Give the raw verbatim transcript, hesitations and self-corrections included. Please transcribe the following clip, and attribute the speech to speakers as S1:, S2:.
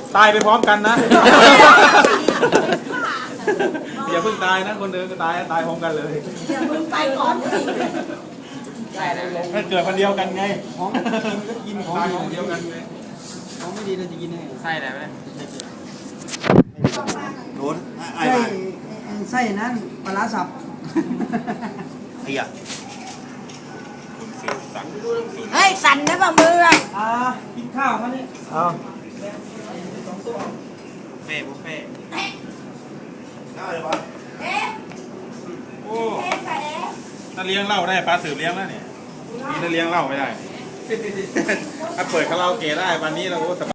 S1: ตายไปพร้อมกันนะอย่าเพิ่งตายนะคนเดินก็ตายตายพร้อมกันเลย
S2: อย่าเพิ่งไปก่อนสิ
S1: ถ้าเกิดคนเดียวกันไง
S3: ของกินก็กินของ
S1: ตาย
S3: ดี
S1: ของเดียวกันไง
S3: ของไม่ดีเราจะกินได้ไส้อะไรไหม
S4: โดนไอ้
S3: ไส้
S4: บ้าน
S3: ไส้นั้นปลาร้าสับ
S4: ไอ้ยะ
S2: เฮ้ยสั่นนะป่ะมืออ่ะ
S3: อ่ากินข้าวมาเนี่ย
S1: เอา
S4: เฟ่บุฟเฟ่
S1: ได้เลยปะโอ้ถ้าเลี้ยงเหล้าได้ปลาสืบเลี้ยงแล้วเนี่ยนี่ถ้าเลี้ยงเหล้าไม่ได้ถ้าเปิดคาราโอเกะได้วันนี้เราก็